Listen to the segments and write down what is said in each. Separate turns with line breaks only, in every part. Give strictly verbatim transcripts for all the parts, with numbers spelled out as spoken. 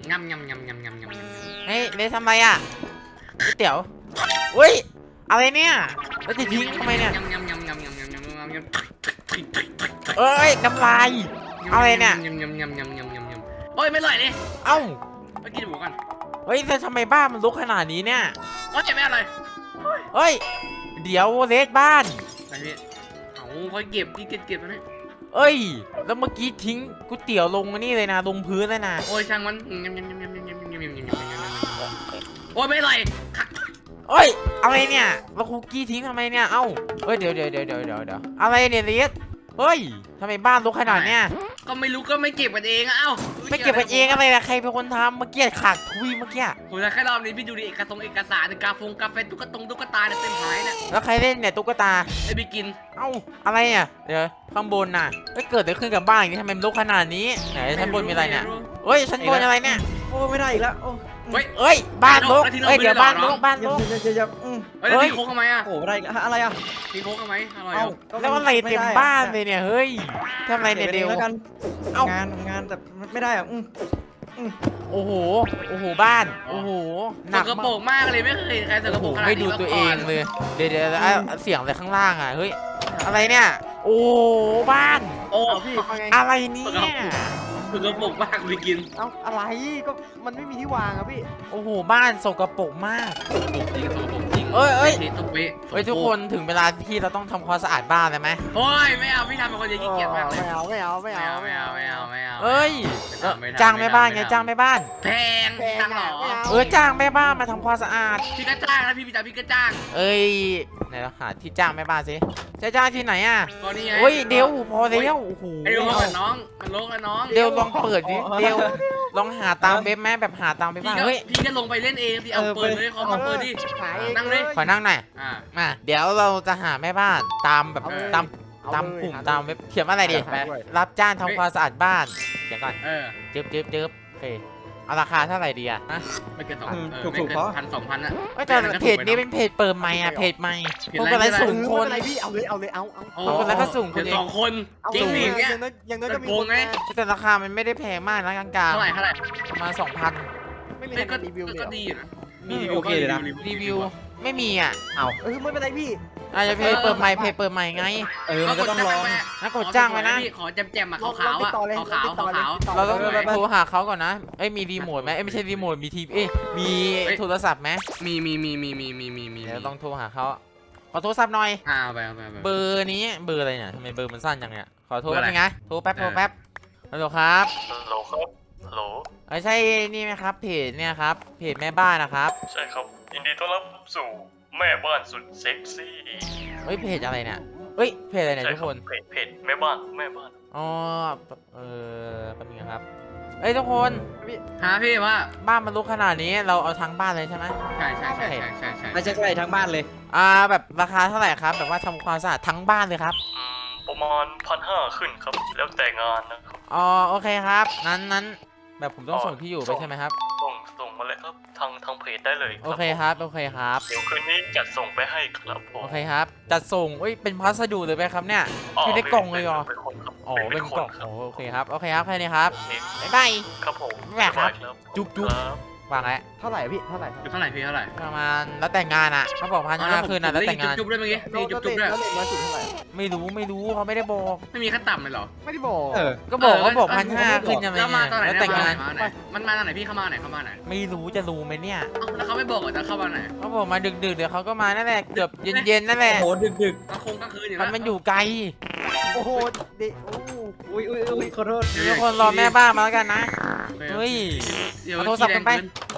งำงำงำงำงำงำ
เฮ้ยเลทำไรอ่ะก๋วยเตี๋ยวอุ้ยอะไรเนี่ยแล้วจะทิ้งทำไมเนี่ย
งำงำงำงำงำงำงำงำงำ
เอ้ยน้ำลายอะไรเนี่ย
งำงำงำงำงำงำงำโอ้ยไม่อร่อยเลย
เอ้า
ไปกินหมูกัน
เฮ้ยแต่ทำไมบ้านมันรกขนาดนี้เนี่ย
โอ้ยไม่อร่อย
เฮ้ยเดี๋ยวเลทบ้าน
ไปพี่เอาค่อยเก็บพี่เก็บเก็บแล้วเนี่ย
เอ้ยแล้วเมื่อกี้ทิ้งก๋วยเตี๋ยวลงนี่เลยนะลงพื้นเลยนะ
โอ้ยช่างมันงำงำงำงำงำงำงำงำงำโอ้ยไม่อร่อย
เอ้ยอะไรเนี่ยแล้วคุกกี้ทิ้งทำไมเนี่ยเอ้าเอ้ยเดี๋ยวเดี๋ยวเดี๋ยวเดี๋ยวเดี๋ยวเดี๋ยวอะไรเนี่ยเลทเฮ้ยทำไมบ้านรกขนาดเนี้ย
ก็ไม่รู้ก็ไม่เก็บกันเองเอ้า
ไม่เก็บกันเองอะไรนะใครเป็นคนทำเมื่อกี้ขาดทุยเมื่อกี้
โอ้ยแค่รอบนี้พี่ดูดิเอกสารเอกสารกาฟงกาแฟตุ๊กตงตุ๊กตาเนี่ยเต็มหายเนี่ย
แล้วใครเล่นเนี่ยตุ๊กตา
ไอ้พี่กิน
เอ้าอะไรเนี่ยเดี๋ยวข้างบนน่ะเฮ้ยเกิดอะไรขึ้นกับบ้านอย่างนี้ทำไมมันรกขนาดนี้ไหนชั้นบนมีอะไรเนี่ยเฮ้ยชั้นบนอะไรเนี่ย
โอ้ไม่ได้อีกแล้วโอ้
เฮ้ย
เอ้ยบ้านรกเอ้ยเดี๋ยวบ้านรกบ้านร
เดี๋ยว
ก
เดี๋ยวเดี๋ยวเดี๋ยวอืม
เฮ้ยแล้วพี่โค้กทำไมอ่ะ
โอ้ไม่ได้อีกแล้วอะไรอ่ะ
พี่โค้กทำไมอร่อย
เอ้า
แล้วอะไรเต็มบ้านเลยเนี่ยเฮ้ยทำอะไรเนี่ยเดี๋ยว
แล้วกัน
เอ้า
งานงานแต่ไม่ได้อ่ะอืมอืม
โอ้โหโอ้โหบ้านโอ้โหห
ส
นัก
กปร
มาก
กมากเลยไม่เคยเห็นใครส
โอ้
ก
โห
ปรกขนาด
ไม่
นี้
ดู
มา
ตัว
ก่
เอ
อง น
เลยเดี๋ยวเดี๋ยวอ่ะเสียงอะไรข้างล่างอ่ะเฮ้ยอะไรเนี่ยโอ้บ้าน
โอ้
เอาพี่ว่าไง
อะไรเนี่ย
สกปรกมากพี่กิน
เอ้าอะไรก็มันไม่มีที่วางอ่ะพี่
โอ้โหบ้านสกปรกมาก
สกปรกจริงสกปรกจริง
เอ้ยเอ้ย
เทตุ๊กเป๊ะ
เฮ้ยทุกคนถึงเวลาที่เราต้องทำความสะอาดบ้านแล้วไหม
โอ้ยไม่เอาพี่ทำเป็นคนเดียวขี้เกียจมากเลย
ไม่เอาไม่เอาไม่
ไม่
เอา
เอาไม่เอาไม่เอาไม่เอา
เอ้ย
ไม่ทำไม่ทำ
จ้างแม่บ้าน
ไม่
ไง
ทำ
จ้างแม่บ้าน
แพงจ้างเหรอ
เออจ้างแม่บ้านมาทำความสะอาด
พี่ก็จ้างนะพี่พี่จ๋าพี่ก็จ้าง
เอ้ยไหนเราหาที่จ้างแม่บ้านสิจะจ้างที่ไหนอ่ะ
ก็นี่ไง
เฮ้ยเดี๋ยวพอแล้วโอ้โห
ไอ้เดี๋ยวกับน้องมันโลกแล้วน้อง
เดี๋ยวลองเปิดดิเดี๋ยวลองหาตามเว็บแม่แบบหาตามเว็บ
พี่
บ้าง
ก็
เฮ้ย
พี่ก็ลงไปเล่นเองพี่เอาเปิดเลยขอมาเปิดดิ
ขาย
นั่งเลย
ขอนั่งหน่อย
อ่า
มาเดี๋ยวเราจะหาแม่บ้านตามแบบ
เออ
ตามตามกลุ่มตามเว็บเขียนว่าอะไรดิรับจ้างทำความสะอาดบ้านเขียนก่อน
เออ
จึ๊บจึ๊บจึ๊บโอเคเอาราคาเท่าไหร่ดีอะนะ
ไม่เกินสอง
อืม
เออ
ถูก
ไม่
ถูก
เกิน
เพราะ
พันสองพันอะ
เอ้ยแต่เพจนี้เป็นเพจเปิดใหม่อะเพจใหม่พวกอะไรสูงคน
อะไรพี่เอาเลยเอาเลยเอาเอา
โอ้
เอาคนละก็สูงคน
เดี๋ยว
เอง
สองคน
เอา
จริงดิอย่างเงี้ย
น้อยอย่างน้อยก็มี
โกงไง
แต่ราคามันไม่ได้แพงมากนะกลาง
เท่าไหร่เท่าไหร่
ๆประมาณสองพัน
ไม่มี
เฮ้ย
ใค
ก็
รรีวิวเลย
ก็
เหรอ
ดีอยู่นะ
อืมโอเคเลยนะ
รีวิวไม่มีอ่ะ
เอาเออไม่เป็นไรพี่
อาจจะเพจเปิดใหม่เพจเปิดใหม่ไง
เออมันก็ต้องลอง
งั้นกดจ้างไว้นะ
ขอแจมๆอะขาวๆอะขาวๆขาวๆ
เราต้อง
ไปไปไป
โทรหาเขาก่อนนะเอ้ยมีรีโมทไหมเอ้ยไม่ใช่รีโมทมีทีวีเอ้ยมีโทรศัพท์ไหม
มีมีมีมีมีมีมีมี
เดี๋ยวต้องโทรหาเขาขอโทรศัพท์หน่อย
อ่าเอาไปเอาไปเอาไป
เบอร์นี้เบอร์อะไรเนี่ยทำไมเบอร์มันสั้นจังเนี่ยขอโทร
เบอร์
แป๊
อะ
บ
ไร
นึงนะโทรแป๊บโทรแป๊บฮัลโหลครับ
ฮัลโหลครับฮัลโหล
เอ้ยใช่นี่ไหมครับเพจเนี่ยครับเพจแม่บ้านนะครับ
ใช่ครับ ยินดีต้อนรับสู่แม่บ้านสุดเซ็กซี่
เฮ้ยเพจอะไรเนี่ยเฮ้ยเพจอะไรเนี่ย
ใช่
ทุก
ครั
ค
บ
น
เพจเพจแม่บ้านแม่บ้าน
อ๋อเออแป๊บนึงนะครับเอ้ยทุกคน
หาพี่ว่า
บ้านมันลุกขนาดนี้เราเอาทั้งบ้านเลยใช่ไหม
ใช่ใช่ใช่ใช่ใช่ใช่
ไม่ใช่ใช่ทั้งบ้านเลย
อ่าแบบราคาเท่าไหร่ครับแบบว่าทำความสะอาดทั้งบ้านเลยครับ
อืมประมาณพันห้าขึ้นครับ แล้วแต่งานนะครับ
อ๋อโอเคครับนั้นนั้นแบบผมต้อง
อ๋อ
ส่งที่อยู่ไป
ส่ง
ใช่ไหมครับ
ส่งส่งมาเลยครับทางทางเพจได้เลย
โอเคครับโอเคครับ
เดี๋ยวคืนนี้จัดส่งไปให้ครับผม
โอเคครับจัดส่งเอ้ยเป็นพัสดุเลยไหมครับเนี่ย อยู่ในกล่องเลยเหรอ
เป็นคนครับ
อ๋อเป็นกล่อง
ครับ
โอ้โอเคครับโอเคครับแค่นี้ครับ
นี่
บ๊ายบาย
ครับผม
แหม่ครับ
สาย
จุ๊บจุ๊บ
ครับ
วางแล้ว
เท่าไหร่พี่เท่าไหร่
เท่าไหร่พี่เท่าไหร่
ประมาณแล้วแต่งงานอ่ะเขาบอกพันห้าคืนอ่ะแล้วแต่งงาน
จุ๊บด้วยเมื่อกี้นี่จุ๊บจุ๊บด้วย
แล้วเลทน้อยสุดเท่าไหร่
ไม่รู้ไม่รู้เขาไม่ได้บอก
ไม่มีขั้นต่ำเลยเหรอ
ไม่ได้บอกเออ
ก็บอก
เออ
เขาบอก
เออ
พันห้าขึ้นยังไง
แล้วมาตอนไหน
แล้วแต่งงาน
มาไหนมันมาตอนไหนพี่เข้ามาไหนเข้ามาไหน
ไม่รู้จะรู้ไหมเนี่ย
เอ้าแล้วเขาไม่บอกเหรอจะเข้ามาไหน
เขาบอกมาดึกๆเดี๋ยวเขาก็มานั่นแหละเกือบเย็นๆนั่นแหละ
โอ้โหดึกดึก
กลางคงกลางคืนอยู่
มัน
นะ
มันอยู่ไกล
โอ้โหเด็กโอ้อุ้ยอุ้ยอุ้ยขอโทษ
ทุกคนรอแม่บ้านมาแล้วกันนะเฮ้ย
เดี๋ยว
เอาโทรศัพท์กันไป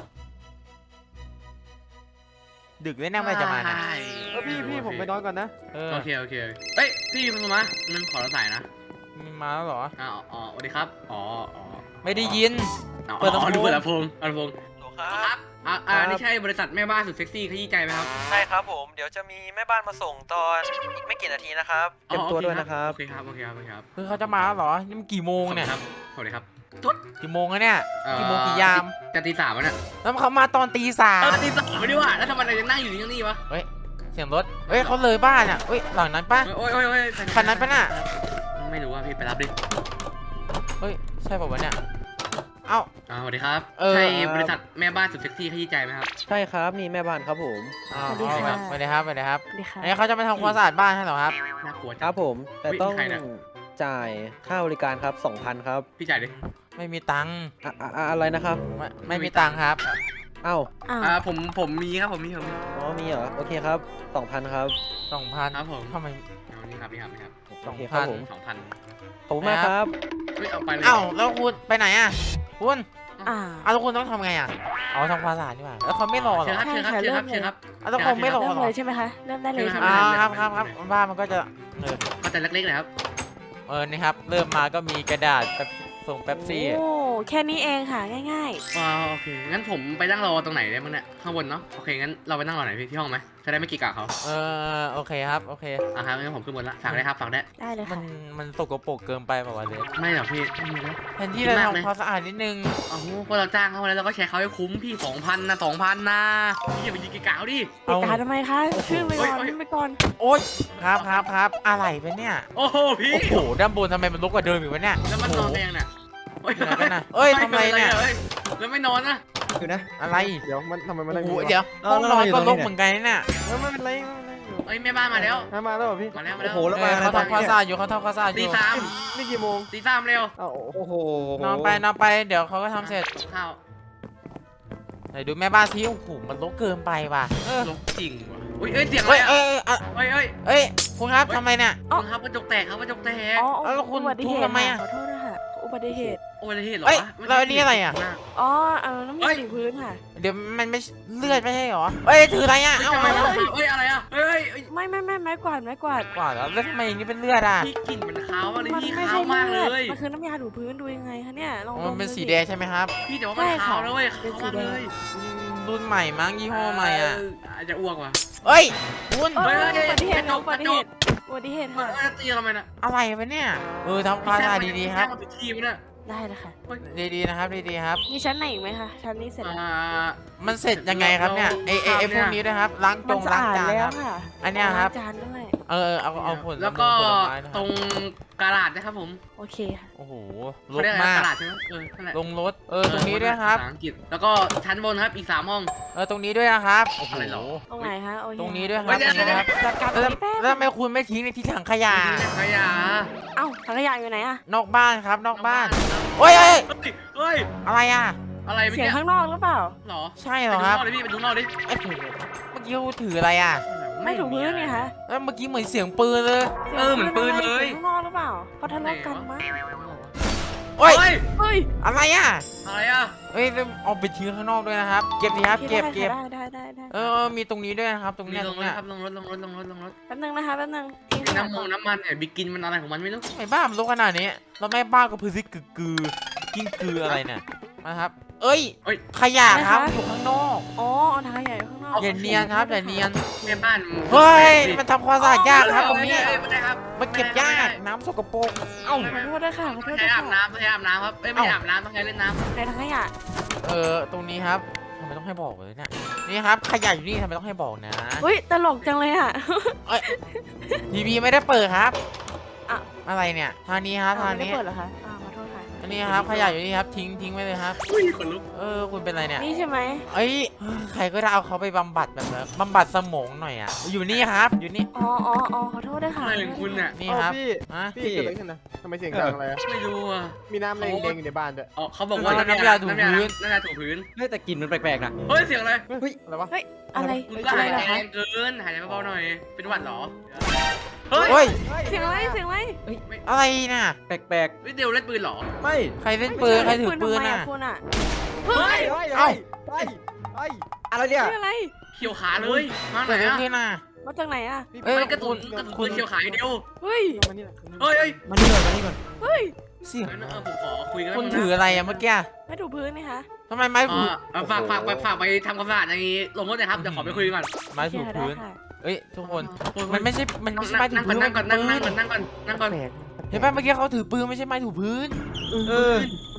ดึกเลยนะเมื่อไหร่จะมาเนี่ย
เออพี่พี่ผมไปนอนก่อนนะ
เออ
โอเคโอเคเฮ้ยพี่คุณมามันขอรับสายนะ
มีมาแล้วเหรอ
อ๋ออ๋อสวัสดีครับอ๋ออ๋อ
ไม่ได้ยิน
อ๋อ
เปิดลำโพง
ดูเปิดลำโพงเปิดลำโพง
หนูค
ค
รั
รั
บบ
อ่าอ่านี่ใช่บริษัทแม่บ้านสุดเซ็กซี่ขยี้ใจไหมครับ
ใช่ครับผม เดี๋ยวจะมีแม่บ้านมาส่งตอนอีกไม่กี่นาทีนะครับ
เตรียมตัวด้วยนะครับ
โอเคครับโอเคครับโอเคครับ
คือเขาจะมาแล้วเหรอนี่มันกี่โมงเนี่ย
ครับสวัสดีครับ
กี่โมงแล้วเนี่ยกี่โมงกี่ยาม
จะตีสามแล้วเนี่ย
แล้วเขามาตอนตีสา
เอ
ม
อตีสามไม่ได้ว่าแล้วทำไมเรายังนั่งอยู่นี่ยังนี่วะ
เฮ้ยเสียงรถเฮ้ยเขาเลยบ้านอ่ะเฮ้ยหลังนั้นปะ
โอ้ยโอ้ยโอ้ย
คันนั้นปะน่ะ
ไม่รู้ว่าพี่ไปรับดิ
เฮ้ยใช่ป่าววะเนี่ยเอ้า
อ่าสวัสดีครับ
เออ
ใช่บริษัทแม่บ้านสุดเซ็กซี่ขยี้ใจไหมครับ
ใช่ครับนี่แม่บ้านครับผม
อ้าว
สวัสดีค่ะ
สวัสดีครับสวัสดีครับ
สวัสดีค่ะ
อันนี้เขาจะมาทำความสะอาดบ้านให้เหรอครับ
น่ากลัว
ค
จั
รั
ง
บผมแต่ต้อง
ใครเนี่ย
จ่ายค่าบริการครับสองพันครับ
พี่จ่ายดิ
ไม่มีตังค์
อะอะอะอะไรนะครับ
ไม่ไม่มีตังค์ครับ
เอ้า
อ้าว
อ่าผมผมมีครับผมมีผมมี
อ๋อมีเหรอโอเคครับสองพันครับ
สองพัน
ครับผม
ทำไม
เอานี่ครับนี่ครับนี่ครับ
โอ
สอง
เคค
พั
รับ
น
ผม
สองพัน
ขอบคุณมากครับ
เฮ้ยเอาไปเลย
เอ้าแล้วคุณไปไหนอ่ะคุณ
อ่า
เอาแล้วคุณต้องทำไงอ่ะอ๋อทำความสะอาดดีกว่าแล้วเขาไม่รอเหร
เชิญ
อ
ครับเชิญครับเชิญครับเชิญครับ
เอาแล้วคงไม่รอ
เริ่ม
เหรอ
เลยใช่ไหมคะ เริ่มได้เลยใช่ไหม
อ่า
คะ
ครับครับครับบ้านมันก็จะเออ
ก็แต่เล็กๆนะครับ
เออนี่ครับเริ่มมาก็มีกระดาษแบบส่งเป๊ปซี่
โอ้แค่นี้เองค่ะง่าย
อ่าโอเค งั้นผมไปนั่งรอตรงไหนได้มั้งเนี่ย ข้างบนเนาะ โอเค งั้นเราไปนั่งรอไหนพี่ที่ห้องไหม จะได้ไม่กีกะเขา
เออโอเคครับโอเค
อ่ะครับงั้นผมขึ้นบนละ ฝากได้ครับ ฝากได้
ๆ ได้เลย
มั
ค่ะ
นมันสกปรกเกินไปเปล่าวะเลย
ไม่หรอกพี่ไม่มีแล้ว
แทนที่
คิด
เรา
มากไหม
ทำความสะอาดนิดนึง
โอ้โหพวกเราจ้างเขามาแล้วเราก็แชร์เขาให้คุ้มพี่สองพันนะสองพันนะพี่อย่าไปยิงกีกะเขาดิ
ติดตาทำไมคะขึ้นไปก่อน
โอ๊ย
ขึ้นไปก่อน
โอ๊ยครับครับครับอะไรเป็นเนี่ย
โอ้โหพี่
โอ้โหด้านบนทำไมมันรกกว่าเดิมอีกวะเนี่ย
แล้วมันนอนเองน่ะโอ้ย
อยู่ไหนกันน่ะเอ้ยทำไมเนี่ย
อ้แล้วไม่นอนนะ
อยู่นะ
อะไร
เดี๋ยวมันทำไมมัน
โอ้
นั่ง
โห
อยู่
เดี๋ยว
เอา
ห้องนอน
แล้ว
ก็
เราอยู่
ร
ตรงนี้
กเหมือนกันเนี่ย
ไม่เป็นไรไม่เป็นไร
เอ้ยแม่บ้านมาแล้ว
มาแล้วเหรอพี่
มาแล้วมา
โอ้
แล้ว
โหแล้ว
เอ
มา
อเขาทำความสะอาดอยู่เขาทำความสะอาดอ
ตี
ยู่
สาม
นี่กี่โมง
ตีสามเร็ว
อ้าวโอ้โห
นอนไปนอนไปเดี๋ยวเขาก็ทำเสร็จ
ข้าว
ไหนดูแม่บ้านซิโอ้โหมันรกเกินไปว่ะเออ
ลกจริงว่ะอุ้ยเอ้ยเสียงอะไร
เอ้ย
อ่ะ
เอ้ยเอ้ย
เอ้ยเอ้ย
เอ้ยคุณครับทำไมเนี่ย
คุณครับกระจกแตกครับกระจกแตก
อ๋อ
แล้วคุณ
อุบัติเห
ทุบ
ตุ
ทำไมอะ
ขอโทษนะคะอุบัติเหตุ
โอ้ยอะไรเหตุเหรอ
เอ้ย
วะไม่
แล้วอันนี้อะไรอ่ะ
อ๋อเอาน้ำ
เฮ้
มัน
ย
ถึงพื้นค่ะ
เดี๋ยวมันไม่เลือดไม่ใช่เหรอเอ้ยถืออะไรอ่ะ
เฮ้ย
เอ้า
ทำไม
เอา
วะ
เอา
เฮ้ยอะไรอ่ะเฮ้ยเฮ้ย
ไม่ไม่ไม่ไม้กวาดไม้กวาด
กว่าแล้วแล้วทำไมอย่างนี้เป็นเลือดอ่ะ
พี่กลิ่นมันขาวมากเลย
มัน
พี่
ไม่
ขาว
ใช่
มาก
เลื
เล
อด
ย
มันคือน้ำยาถูพื้นดูยังไงคะเนี่ยลอง
อ๋อ
ด
มันเป็น
ดู
สี
สิ
แดงใช่ไหมครับ
พี่แต่ว่ามันขาวแล้วเว้ย
เป็นสี
ขาวมาก
แดง
เลย
อืมรุ่นใหม่มั้งยี่ห้อใหม่อ่ะ
เอาจจะอ้วกว่ะ
เอ้ยคุณ
เอ้ย
เฮ้ย
อุบัติเหตุ
กระจก
อุบัติเหตุอุบัติเหตุ
เฮ้ย
ค่ะ
เอ้ยตีทำไมน่ะ
อะไรวะเนี่ยเออทำความสะอาดดีๆครับ
แจ้งมาผิดที่มั้ยเนี่ย
ได้เลยค่ะ
ดีๆนะครับดีๆครับ
มีชั้นไหนอีกไหมคะชั้นนี้เสร็จแล้ว
อ่า
มันเสร็จยังไงครับเนี่ยไอไอไอพวกนี้ด้วยครับล้างจ
มัน
ง
สะ
ล้าง
อาด
จาน
แล้
คว รับ
ค่ะ
อันเนี้ยครับ
ล้างจานด้วย
เออเอาเอาผล
แล้วก็
ผลไม้นะค
ต
รับ
รงกระดาษนะครับผม
โอเคค่ะ
โอ้โหร
เขา
ก
เรียกอะไร
มาก
กระดาษใช่ไหมเออนั่นแหละ
ลงรถเออตรงนี้ด้วยครับ
ภาษาอังกฤษแล้วก็ชั้นบนครับอีกสามห้อง
เออตรงนี้ด้วยนะครับโอ้โห
อะไรหรอ
ตรงไหนคะโอเค
ตรงนี้ด้วยค
เฮ้
รับ
ยเดี๋ยว
ตรงนี้ครับ
จัดการตร
แล้ว
งนี้แป๊บ
แล้วทำไมคุณไม่ทิ้งในที่ถังขยะ
นี่นะขยะ
เอ้าถังขยะอยู่ไหนอะ
นอกบ้านครับนอกบ้านโอ้ยเอ้ย
เฮ้ยเฮ้ย
อะไรอ่ะ
อะไรเมื่อ
เสียง
กี้
ข้างนอกหรือเปล่า
หรอ
ใช่เห
ไป
รอ
ดู
ครับ
นอกเลยพี่ไปดูนอกดิ
ไอ้ยเมื่อกี้เขาถืออะไรอ่ะ
ไม่ถูพื้นไงคะ
แล้วเมื่อกี้เหมือนเสียงปืนเลย
เออเหมือนปืนเลย
สีงข้างนอกหรือเปล่าเขาทะเลาะกันมั้ง
โอ้ย
เฮ้ย
เฮ้ย
อะไรอ่ะ
อะไรอ่ะ
เอ้ยแล้วเอาไปทิ้งข้างนอกด้วยนะครับเก็บดีครับเก็บเก็บ
ได้ได้ได้ได้
เออมีตรงนี้ด้วยนะครับตรง
มี
เนี้ย
ล
ตรง ง
รถ
เนี้ย
ครับลงรถลงรถลงรถลงรถ
แป๊บนึงนะคะแป๊บนึงทิ้งขยะ
น้ำม
ก่
ง
อน
น้ำมันเนี่ยบิกินมันอะไรของมันไม่รู้
ไอ้บ้ามันรกขนาดนี้แล้วแม่บ้านก็พื้นที่กึกกือกินกืออะไรเนี่ยนะครับ เอ้ย
เอ้ย
ขยะครับอยู่ข้างนอก
อ๋อเอาถังขยะอยู่ข้างนอก
อย่าเนียนครับอย่าเนียน
แม่บ้าน
เฮ้ยมันทำความสะอาดยากครับตรงนี้
เอ้ยไม่ได้ครับ
มันเก็บยากน้ำสกปรกเอ้า
ขอโทษด้วยค่ะขอโท
ต้อง
ษด้
ใช้
วย
อาบ
ค่ะ
น้ำต้องใช้อาบน้ำครับเอ้ยไม่ใช่อาบน้ำต้องใช้เล่นน้ำ
ในถังขยะ
เออตรงนี้ครับทำไมต้องให้บอกเลยเนี่ยนี่ครับขยะอยู่นี่ทำไมต้องให้บอกนะ
เฮ้ยตลกจังเลยอ่ะ
ทีวีไม่ได้เปิดครับ
อ่ะ
อะไรเนี่ยทางนี้ครับทาง
ไม่ได้
นี้
เปิดเหรอคะอ่าขอโทษค่ะ
อันนี้ครับขยะอยู่นี่ครับทิ้งทิ้งไว้เลยครับ
อุ้ยขนลุก
เออคุณเป็นอะไรเนี่ย
นี่ใช่ไหม
เอ้ยใครก็ได้เอาเขาไปบำบัดแบบนั้นบำบัดสมองหน่อยอ่ะอยู่นี่ครับอยู่นี่
อ๋ออ๋ออ๋อขอโทษด้วยค่ะ
อะไรของคุณเนี่ย
นี่ครับ
พี่
ฮะ
พี่เกิดอะไรขึ้นนะทำไมเสียงดังอะไรอะ
ไม่รู้อ่ะ
มีน้ำแดงๆอยู่ในบ้านด้วย
อ๋อเขาบอกว่า
น้ำยาถูพื้น
น้ำยาถูพื้น
เฮ้ยแต่กลิ่นมันแปลกๆนะ
เฮ้ยเสียงอะไร
เฮ้ยอะไรวะ
อะไร
คุณก็
อะไร
หาย
เหร
ใจ
อ
แร
คะ
งเกินหายใจเบาๆหน่อยเป็นหวัดเหรอเฮ้ย
เฮ้ย
เสียงอะไรเสียงอะไร
อะไรน่ะ
แปลก
เฮ้ยเดี๋ยวเล่นปืนเหรอ
ไม่
ใครเล่นปืนใครถือปืน
ทำไม
น่ะ
คุณอ่ะ
เฮ้ย
เฮ้ย
เอ้า
เฮ้ยเฮ้ย
ๆ อะไรเนี่ย
เรื่องอะไร
เขียวขาเลยมาไหน
เกิดอะไร
อ่ะ
ขึ้นน่ะ
มาจากไหนอ่ะ
เอ้ย
ไม่กระสุน
คุณ
กระสุน
คุณ
เขียวขาอย่างเดียว
เฮ้ย
มานี่แหละ
เฮ้ยเฮ้ย
มานี่ก่อนมานี่ก่อน
เฮ้ย
เสียง
งั้น
นะ
เออผมขอคุยกัน
คุณ
แป๊บนึงนะ
ถืออะไรอะเมื่อกี้
ไม่ถูพื้นนี่คะ
ทำไมไม้
อ๋
ถู
อเอาฝากฝากไปฝากไปทำความสะอาดในลงรถหนะครับเดี๋ยวขอไปคุยก่อน
ไม้ถู
โอเค
พื้น
ได้ค่ะ
เอ้ยทุกคน
โอ้ย
มันไม่ใช่มันไม่ใช่ไม้ถู
นั่งก่อ
พื้
น
น
นั่งก่อนนั่งนั่งก่อน
ปื
นั่งก่อนนั่งก่อน
แปลก
เห็นป่ะเมื่อกี้เขาถือปืนไม่ใช่ไม้ถูพื้น
เออแ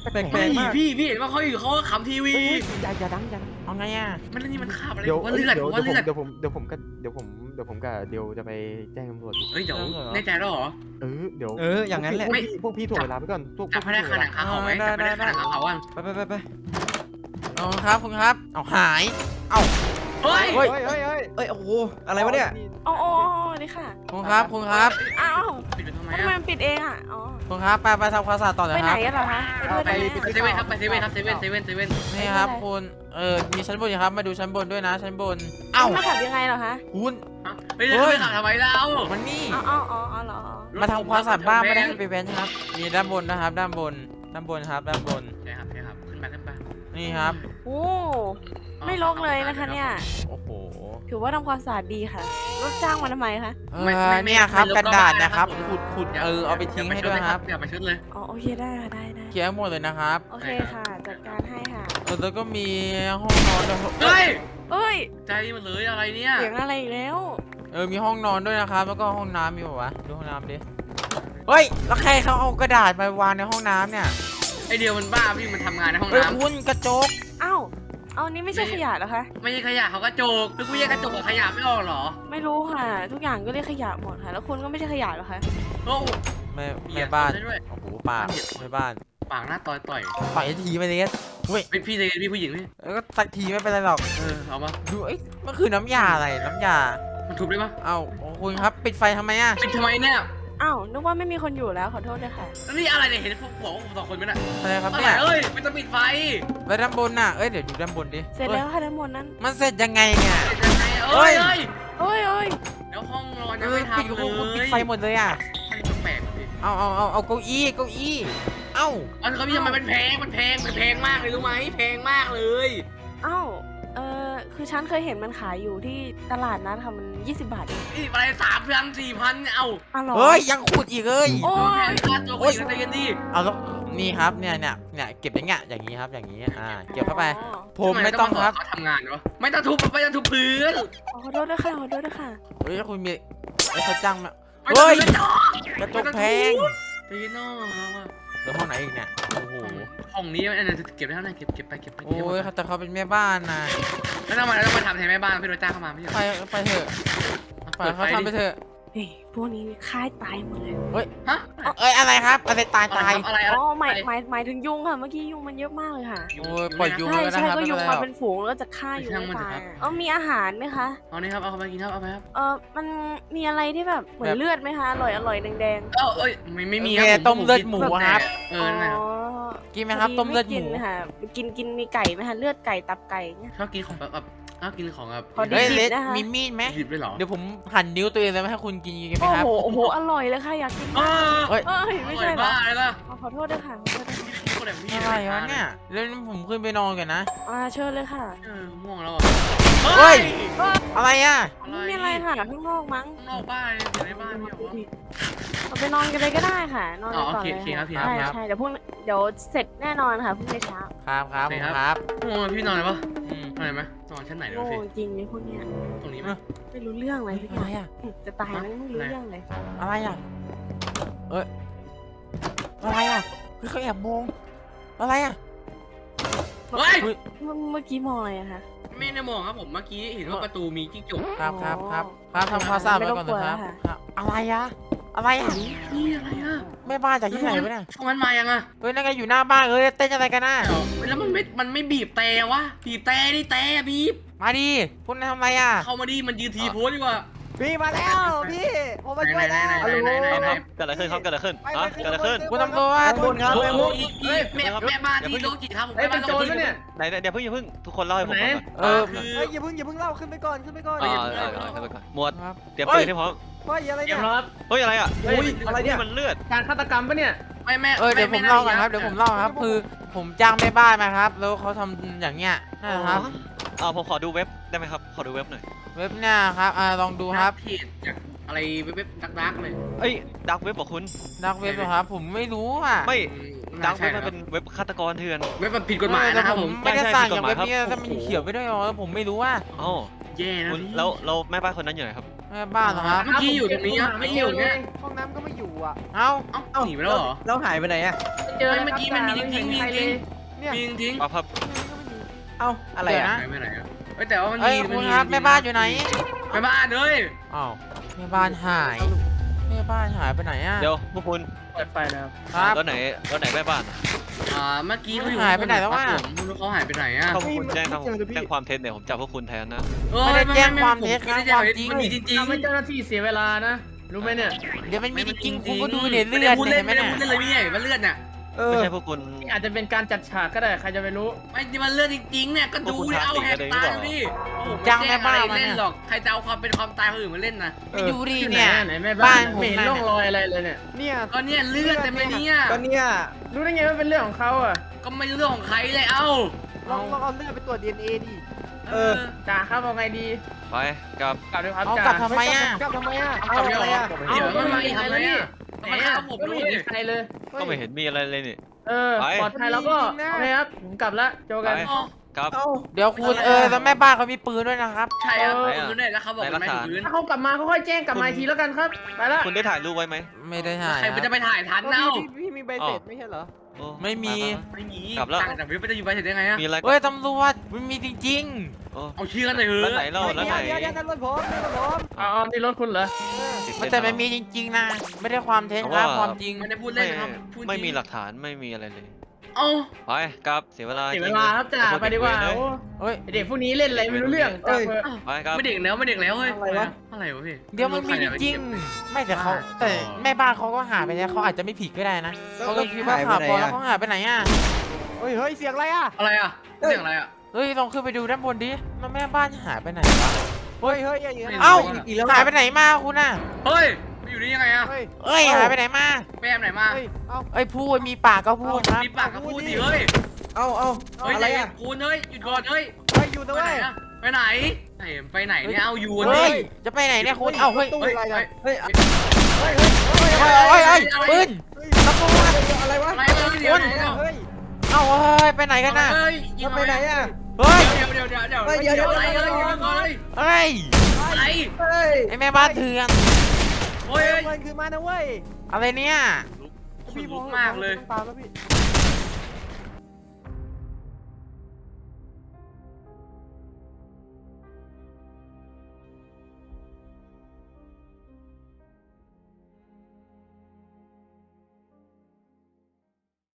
แปล
ไม่
กๆมาก
พี่พี่เห็นว่าเขาอยู่เขาก็ขำทีวี
อย่าอย่าดังอย่าดัง
เอาไงอ่ะ
มันนี่มันคาบอะไร
เดี๋ยว
ผมว่าเลือดผมว่าเลือด
เดี๋ยวผมเดี๋ยวผมกับเดี๋ยวผมเดี๋ยวผมกับเดี๋ยวจะไปแจ้งตำรวจ
เฮ้ยเดี๋ยวแน่ใจแล้วเหรอ
เออเดี๋ยว
เอออย่างนั้นแหละ
พวกพี่พวกพี่ถ่วงเวลาไปก่อนพวก
จับให้ได้ขนาดขาเขาไหมจับให้ได้ขนาดขาเขาอ่ะ
ไปไปไปไป
เอาครับคุณครับเอาหาย
เฮ้ย
เฮ้ยเฮ้ยเฮ้ย
เอ้ยโอ้โหอะไรวะเนี่ย
อ๋ออ๋ออ๋อนี่ค่ะ
คุณครับคุณครับ
อ้าว
ปิดไปทำไม
ทำไม
อ่ะ
มันปิดเองอ่ะ อ๋อ
คุณครับไปไปทำความสะอาดต่อเลย
ไป
ค
ไหน
รับ
กันเหรอคะไปด้วย
ไป
ได้ไหม
เซเว่นครับไปเซเว่นครับเซเว่นเซเว่นเซเว่น
นี่ครับคุณเออมีชั้นบนอยู่ครับมาดูชั้นบนด้วยนะชั้นบนเอ้า
มาขับยังไงเหรอคะ
คุณ
เฮ้ยจะไปขับทำไมเรา
มันนี่
อ๋ออ๋ออ๋ออ๋อเหรอ
มาทำความสะอาดบ้านไม่ได้ให้ไปแว้นครับมีด้านบนนะครับ ด้านบนด้านบนครับด้านบน
ใช่ครับใช่ครับขึ้นไปขึ้นไป
นี่ครับ
โอ้ไม่รกเลยนะคะเนี่ย
โอ้โห
ถือว่าทำความสะอาดดีค่ะรถจ้างมาทำไมคะ
เออเนี่ยครับกระดาษนะครับขุดขุดเออเอาไปทิ้งให้ด้วยครับ
อย่าไปชุดเลย
อ๋อโอเคได้ค่ะได้ได้
เคลียร์ให้หมดเลยนะครับ
โอเคค่ะ จัดการให้ค่ะ
เออแล้วก็มีห้องนอนด้วย
เฮ้ย
เอ้ย
ใจมันเลยอะไรเนี่ย
เสียงอะไรอีกแล้ว
เออมีห้องนอนด้วยนะครับ แล้วก็ห้องน้ำมีป่าวะดูห้องน้ำดิเฮ้ยแล้วใครเขาเอากระดาษมาวางในห้องน้ำเนี่ย
ไอเดียวมันบ้าพี่มันทำงานในห้อง
เฮ้ย
น้ำ
คุณกระจก
เอ้าเอานี่ไม่ใช่ขยะเหรอคะ
ไม่ใช่ขยะเขากระจกแล้วกูแยกกระจกกับขยะไม่ออกเหรอ
ไม่รู้ค่ะ ทุกอย่างก็เรียกขยะหมดค่ะ แล้วคุณก็ไม่ใช่ขยะเหรอคะ
โอ้
แม่
เหยี
แม่
ยด
บ้าน
ได้ด้วย
โอ้โหปากแม่บ้าน
ปากหน้าต่อยต่อย
ต่อยทีไปเลยเฮ้ย
เป็นพี่เลยพี่ผู้หญิงพี่
แล้วก็สักทีไม่เป็นไรหรอก
เออเอามา
ดูเอ้ยมันคือน้ำยาอะไรน้ำยา
มันทุบได้ปะ
เอ้าโอ้คุณครับปิดไฟทำไมอ่ะ
เป็นทำไมเนี่ย
อ้าวนึกว่าไม่มีคนอยู่แล้วขอโทษด้วยค่ะ
แล้วนี่อะไรเนี่ยเห็นพวกบอกว่าผมสองคนไหมน่ะ
อะไรครับ
อะไร
เนี่ย
เอ้ยไม่ต้องปิดไฟ
แล้วด้านบนน่ะเอ้ยเดี๋ยวดูด้านบนดิ
เสร็จแล้วค่ะทั้งหมดนั้น
มันเสร็จยังไงเนี่ย
ยังไงเอ้ยเอ้ย
เอ้ยเอ้ย
แล้วห้องนอน
เอ
ยัง
อ
ไม่
ปิด
ทำเลย
ปิดไฟหมดเลยอ่ะ
มันแปลกๆดิ
เอาเอาเอาเอาเก้าอี้เก้าอี้เอ้า
อันเขาพี่ทำไมมันแพงมันแพงมันแพงมากเลยรู้ไหมแพงมากเลย
เอ้าเออคือฉันเคยเห็นมันขายอยู่ที่ตลาดนัดค่ะมันยี่สิบบาทเอง
นี่อะไรสามพันสี่พันเอา
อ้าวเหรอ
เฮ้ยยังขุดอีกเลย
โอ้
แพ
ย
งค่าตัวคนอื่นใจเย็นดิ
เอาแล้วนี่ครับเนี่ยเนี่ยเนี่ยเก็บอย่างเงี้ยอย่างนี้ครับอย่างนี้อ่าเก็บเข้าไป
อ๋อ
ผมไม่ต้องครับ
เขาทำงานวะไม่ต้องทุบไม่ต้องทุบพื้น
ขอโทษด้วยค่ะขอโทษด้วยค่ะ
เฮ้ยคุณมีเฮ้ยเขาจ้างมา
ไม่ต้อง
เฮ้ย
ทุบ
กระจกแพง
ตีนอกเราอะ
แล้วห้องไหนอีกเนี่ยโอ้โห
ห้องนี้อันนี้เก็บไว้เท่าไหร่เก็บเก็บไปเก็บไป
โอ้ยเขาแต่เขาเป็นแม่บ้านนะ
แล้วทำไมเราต้องมาทำแทนแม่บ้านพี่โรจ้างเข้ามาไม่ใช่
ไปไปเถอะไปเขาทำไปเถอะ
เฮ้ยพวกนี้ค่ายตายหมดเลย
ฮะ
เอ้ยอะไรครับอะไรตายตาย
อะไรอะไร
อ๋อหมายหมายหมายถึงยุงค่ะ เมื่อกี้ยุงมันเยอะมากเลยค่ะ
โอ้ยปล่อยยุง
ใช่
แล้วนะ
ใช่
ครับ
ก็
ไม่
ยุ
เป็
ง
นไรหร
มา
อก
เป็นฝูงแล้วก็จะฆ่าอยู่ไม่ตายเออมีอาหารไหมคะ
เอานี่ครับเอาไปกินครับเอาไปครับ
เออมันมีอะไรที่แบบเหมือนเลือดไหมคะ อร่อยอร่อยแดง
เอ้าเอ้ยไม่ไม่มี
แม่ต้มเลือดหมูครับ
เอ
ๆ
อนั่นแหละ
อ๋อ
กินไหมครับต้มเลือดหมู
ไกินค่ะกินกินมีไก่ไหมคะเลือดไก่ตับไก่เนี่ย
ชอบกินของแบบแบบชอบกินของแบบ
พอดี
เฮ้ย
ดิบ
เลส
นะคะ
มีมีดไหม
ดิบด้วยเหรอ
เดี๋ยวผมหั่นนิ้วตัวเองเลยให้คุณกินกันไหม
โอ้
ครับ
โหโอ้โหอร่อยเลยค่ะอยากกิน
เออ
เฮ้ย
เอ้ยไม่ใช่เหรอ
บ้าเลยล่ะ
อ๋อขอโทษด้วยค่ะขอโทษด้วยค่ะ
คนแบบนี้
อะไรวะเนี่ยแล้วผมขึ้นไปนอนกันนะ
อ่าเชิญเลยค่ะ
เออม่วงแล้วอ่ะ
เฮ้ย อะไรอ่ะ
ไม่มีอะไรค่ะข้างนอกมั้ง
ข้างนอกบ้านอยู่ในบ้านเนี่ยเหรอ
เราไปนอนกันเลยก็ได้ค่ะ นอนกันก่อน
อ๋อโอเค
เลย
โอเคครับพี่
ใช่
ครับ
ใช่เดี๋ยวพรุ่งเดี๋ยวเสร็จแน่นอนค่ะพรุ่งนี้เช้า
ครับครับ
โอเค
ผม
ครับ
ครับ
โอ้พี่นอนเลยปะ
อืม
นอนไหมนอนชั้นไหนเดี๋ยว
โง่
พี่
จริงเลยพวกเนี้ย
ตรงนี้ไหม
ไม่รู้เรื่องเลยพี่
อะไรอ่ะ
จะตายแล้วไม่รู้เรื่องเลย
อะไรอ่ะ เอ้ย อะไรอ่ะเฮ้ยเขาแอบมอง อะไรอ่ะ
เฮ้ย
เฮ้ย
เมื่อเมื่อกี้มองอะไรอะคะ
ไม่ได้มองครับผมเมื่อกี้เห็นว่าประตูมีจิ้งจก
ครับครับครับครับทำความสะอาดไว้ก่อนนะครับครับ อะไรอ่ะ อะไรอ่ะ
พี่อะไรอ่ะ
แม่บ้านจากที่ไหนวะเนี่ย
ช่วงนั้นมายังอ่ะ
เฮ้ยนั่นไงอยู่หน้าบ้านเอ้ยเต้นอะไรกันน่ะ
แล้วมันไม่มันไม่บีบแต่วะบีบแต่นี่แต่บีบ
มาดิพวกนายทำอะไรอ่ะ
เข้ามาดิมันยืนทีโพสดีกว่า
พี่มาแล้วพี่ผมมาช่วยแล้ว
ไหนไหนไหนไหน
เกิดอะไรขึ้นครับเกิดอะไรขึ้น
ไป
ฮะ
ไป
เกิดอะไรขึ้น
คุณตำรวจ
บนครับ
โอ้
ไป
โห
บน
อีกอีกแม่แม่บ้านที่โลจิครับผม
เอ้ย
แม่
เป็
บ้าน น
โจรปะเนี่ย
ไหนไหนเดี๋ยวเพิ่งอย่าเพิ่งทุกคนเล่าให้ผมฟังก่อน
เออ
คือ
เฮ้ยอย่าเพิ่งอย่าเพิ่งเล่าขึ้นไปก่อนขึ้นไปก่อน
อ่าอ่าอ่าขึ้นไปก่อนหมวด
ครับ
เตรียมปืนให้พร้อม
เฮ้ยอะไร
เตรี
เนี่ย ย
มรับ
เฮ้ยอะไรอ่ะ
อุ้ยอะไรเนี่ย
มันเลือด
การฆาตกรรมปะเนี่ย
ไม่แม่
เออเดี๋ยวผมเล่าก่อนครับ เดี๋ยวผมเล่าครับ คือผมจ้างแม่บ้านมาครับ แล้วเขาทำอย่างเงี้ยนั่นแหละครับ
อ่าผมขอดูเว็บได้ไหมครับ ขอดูเว็บหน่อย
เว็บเนี่ยครับ อ่าลองดูครับ
เพจจากอะไรเว็บดักดักเลย
เอ้ยดักเว็บบอกคุณ
ดักเว็บเหรอครับ ผมไม่รู้อ่ะ
ไม่ดักเว็บ
ใช่
มันเป็นเว็บฆาตกรเถื่อน
เว็บมันผิดกฎหมาย
แต่
นะครับ
ผ
ผม ม
ไม่ได้
ใช่
สั่ง
ผิด
อก ย่าง
ฎหมาย
เว็บนี้
ครับ
ถ้ามันเขียวไปด้วยเหรอผมไม่รู้ว่า
อ๋อ
แย่นะ
คุณ
พี่
แล้วเราแม่บ้านคนนั้นอยู่ไหนครับ
แม่บ้านเหรอครับ
เมื่อกี้อยู่ตรงนี้ครับเมื่อกี้อยู่เนี่ย
ห้องน้ำก็ไม่อยู่อ่ะ
เอ้า
เอ้าหนีไปแล้วเหรอ
เราหายไปไหนอะ
เจอ
เฮ้ยเมื่อกี้มันมีจริงๆมีจริง
เนี่ย
มีจริง
ครับครับ
เอ้าอะไร
เดี๋ยว
อะ
นะ
หายไปไหนอะเฮ้ยแต่ว่ามัน
เอ้ย
มี
คุณ
มี
ครับแม่บ้านอยู่ไหน
แม่บ้านเฮ้ย
อ้าวแม่บ้านหายแม่บ้านหายไปไหนอ่ะ
เดี๋ยวพวกคุณ
เปิดไฟแล้ว
ครับ
แล้วไหนแล้วไหนแม่บ้าน
อ่าเมื่อกี้เขาอยู่
หายไปไหนแล้ววะ
ผมไม่รู้เขาหายไปไหนอะ
ถ้าพวกคุณแจ้งทางแจ้งความเท็จเนี่ยผมจับพวกคุณแทนนะ
เอ้ย
ไม่ได้แจ้งความเท็จ
ไม่ได้
นะ
แจ้งความ
ความจริ
เท็จ
ง
มันมีจริง
ทำให้เจ้าหน้าที่เสียเวลานะ รู้ไหมเนี่ย
เดี๋ยวมันมีจริงๆคุณก็
ๆ
ดูเนี่ยเลื
ไม่
อ
ได้
ด
พูด
เนี่
เล่
ย
น
เห็นไหม
ไม่ได้
เนี่ย
พูดเล่นเลยพี่ใหญ่มันเลือดเนี่ย
เออ
ไม่ใช่พวกคุณ
อาจจะเป็นการจัดฉากก็ได้ใครจะไปรู้
ไม่ที่มันเลือดจริงๆเนี่ยก็ดูดิเอาแหกตาดูดิโอ้โห
จ้างแม่บ้านมา
เล่
เนี่
น
ย
หรอกใครจะเอาความเป็นความตายคนอื่นมาเล่นนะ
ไปดูดิ
ที่ไหน
เนี่ย
อะไหนแม่
บ้า
บ้าน น
ผม
ไม่เห็น
นั่น
ร่องรอยอะไรเลยเนี่ย เนี่ย
ก็เนี่ยเลือดเต็มเลยเนี่ย
ก็เนี่ย
รู้ได้ไงว่าเป็นเรื่องของเขาอ่ะ
ก็ไม่รู้เรื่องของใครเลยเอ้า
ลองลองเอาเลือดไปตรวจดีเอ็นเอดิ
เออ
จ่าครับเอาไงดี
ไปกลับ
กลับด้วยครับ
เอา
จ่าก
ลับทำไมอ่ะ
กลับทำไมอ่ะ
เอาเดี๋ยว
อะไรอ่ะ
เดี๋ยวมันมาอีกทำไมอะ
ไหน
มัน
อ่ะ
ฆ่าผม
ก็
ด้
ไม่
วย
เห็นใครเลย
ก็ไม่เห็นมีอะไรเลยนี่
เออ
ไป
ปลอดภัยแล้วก็โอเคครับผมกลับละเจอกัน
ไป กลับ
เอ้า
เดี๋ยวคุณเออแล้วแม่บ้านเขามีปืนด้วยนะครับ
ใช่ครับ
เออ
ผมเนี่ยแล้วเขาบอกมันไม่ถึงพื้น
ถ้าเขากลับมาเขาค่อยแจ้งกลับมาอีกทีแล้วกันครับ ไปละ
คุณได้ถ่ายรูปไว้ไหม
ไม่ได้ถ่าย
ใครมันจะไปถ่ายทันเน่า
พี่พี่มีใบเสร็จไม่ใช่เหรอ
โอ้
ไม่มี
ไป
ไม่มี
กลับแล้ว
ต่างจากวิวไปจะอยู่ไปเสร็จได้ไงอะ
ๆมีอะไร
เฮ้ยตำรวจมันมีจริง
โอ้
เอาเชื่อกันหน่อยเถ
แล้วไหน
อะ
เล่าแล้วไหน
เดี๋ยวเดี๋ยวนั่นรถผมนั่นรถผมอ๋อนี่รถคุณเหรอ
ๆมันแต่มันมีจริงๆนะไม่ได้ความเท็จครับความจริง
ไม่ได้พูด
ไม่
เล่นนะครับพูดจริง
ไม่มีหลักฐานไม่มีอะไรเลย
เอ้า
ไปกลับเสียเวลา
เสียเวลาครับจ่าไปดีกว่าโอ้
เฮ้ย
เด็กพวกนี้เล่นอะไรไม่รู้เรื่องจ่าเถอะ
ไปครับ
ไม่เด็กแล้วไม่เด็กแล้วเฮ้ย
อะไรวะ
อะไรวะพี่
เดี๋ยวมันมีจริงๆไม่แต่เขาแต่แม่บ้านเขาก็หายไปแล้วเขาอาจจะไม่ผิดก็ได้นะเขาก็คิดว่าข่าวปลอมแล้วเขาหายไปไหนอ่ะ
เฮ้ยเฮ้ยเสียงอะไรอ่ะ
อะไรอะเสียงอะไรอะ
เฮ้ยลองขึ้นไปดูด้านบนดิแล้วแม่บ้านหายไปไหนวะ
เฮ้ยเฮ้ยอย่างเงี้ย
เอ้า
อีกแล้ว
หายไปไหนมาคุณน่ะ
เฮ้ยไปอยู่นี่ยังไงอะ
เฮ้ย
เอ้ยหายไปไหนมา
ไปแอมไหนมา
เฮ้ยเอ้า
เอ้ยพูดมีปากก็พูดครับ
มีปากกับพูดดิเฮ้ย
เอ้าเอ้า
เฮ้ย
อะไร
ใจเย็
อะ
นคูณเฮ้ยหยุดก่อนเฮ้ย
เฮ้ยอยู่
ไป
นะ
ไหน
เว้ย
อะไปไหนไหนไปไหนเนี่ยเอาอยู่
เฮ้
นี่
ยจะไปไหนเนี่ยคุณเอ้าเฮ้ย
ตู้
เฮ้ย
อะไร
เฮ้ย
กัน
เฮ้ย
เฮ้ยเฮ้ยเฮ้ย
เฮ้ยเฮ้ยเฮ้ยปืนตำรวจ
อะไรวะ
อะไรเอ้ยเดี๋ยวเดี๋ยวเดี๋ยว
เฮ้ย
เอ้าเฮ้ยไปไหนกันน่ะ
เฮ้ยยิง
ไปไหนอะ
เฮ้ย
เดี๋ยวเดี๋ยวเดี๋ยวเดี๋ยว
เฮ้ยเดี๋ยวเดี๋ยว
อะไรอะไรยิงก่อนเลย
เฮ้ย
อะไร
เฮ้ย
ไอแม่บ้านเถื่อน
โอ้ย
เงินคือมานะเว้ย
อะไรเนี่ย
ขนลุกมากเลย
ตามแล้วพี่